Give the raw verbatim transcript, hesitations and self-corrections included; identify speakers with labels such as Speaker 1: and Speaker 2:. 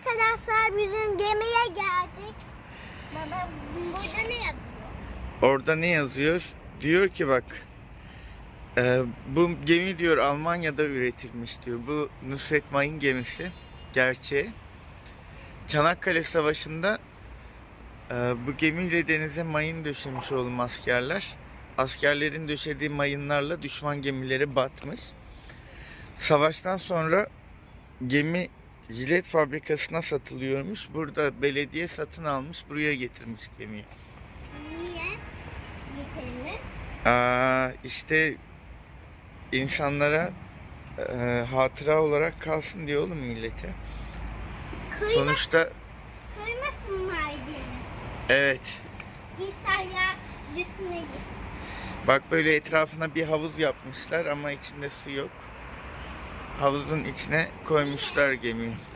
Speaker 1: Arkadaşlar bizim gemiye geldik. Baba burada ne yazıyor?
Speaker 2: Orada ne yazıyor? Diyor ki bak, e, bu gemi diyor Almanya'da üretilmiş diyor. Bu Nusret Mayın gemisi gerçeği. Çanakkale Savaşı'nda e, bu gemiyle denize mayın döşemiş oğlum askerler. Askerlerin döşediği mayınlarla düşman gemileri batmış. Savaştan sonra gemi jilet fabrikasına satılıyormuş. Burada belediye satın almış, buraya getirmiş gemiyi.
Speaker 1: Niye getirmiş?
Speaker 2: Aa, işte insanlara e, hatıra olarak kalsın diyor oğlum millete.
Speaker 1: Kıyma,
Speaker 2: Sonuçta
Speaker 1: kıymasınlar diye.
Speaker 2: evet.
Speaker 1: İnsanlar üstüne gitsin.
Speaker 2: Bak böyle etrafına bir havuz yapmışlar ama içinde su yok. Havuzun içine koymuşlar gemiyi.